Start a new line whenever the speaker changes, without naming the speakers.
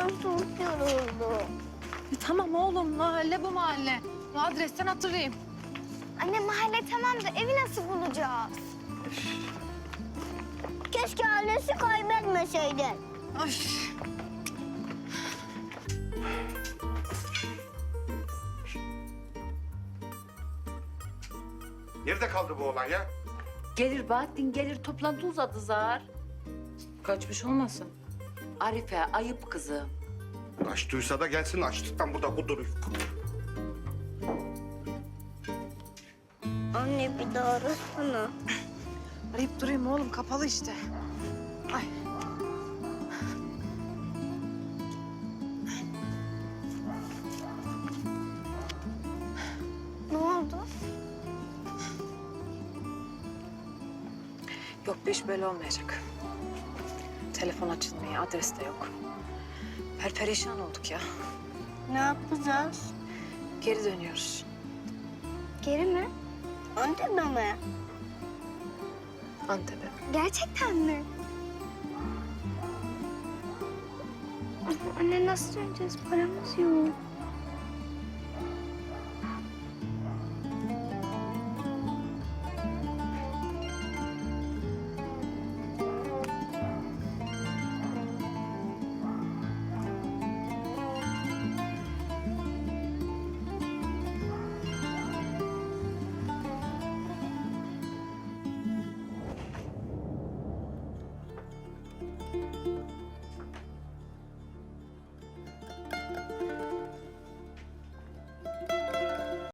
çok yoruldum.
Tamam oğlum, mahalle bu mahalle. Adresten hatırlayayım.
Anne mahalle tamam da evi nasıl bulacağız? Keşke ailesi kaybetmeseydi.
Ay.
Nerede kaldı bu oğlan ya?
Gelir Bahattin gelir, toplantı uzadı zar.
Kaçmış olmasın?
Arife ayıp kızım.
Açtıysa da gelsin, açlıktan burada kuduruyor.
Anne bir daha arasana.
Arayıp durayım oğlum, kapalı işte. Ay.
Ne oldu?
Yok, bu iş böyle olmayacak. Telefon açılmıyor, adres de yok. Perperişan olduk ya.
Ne yapacağız?
Geri dönüyoruz.
Geri mi? Antep'e mi?
Antep'e.
Gerçekten mi? Anne nasıl döneceğiz? Paramız yok.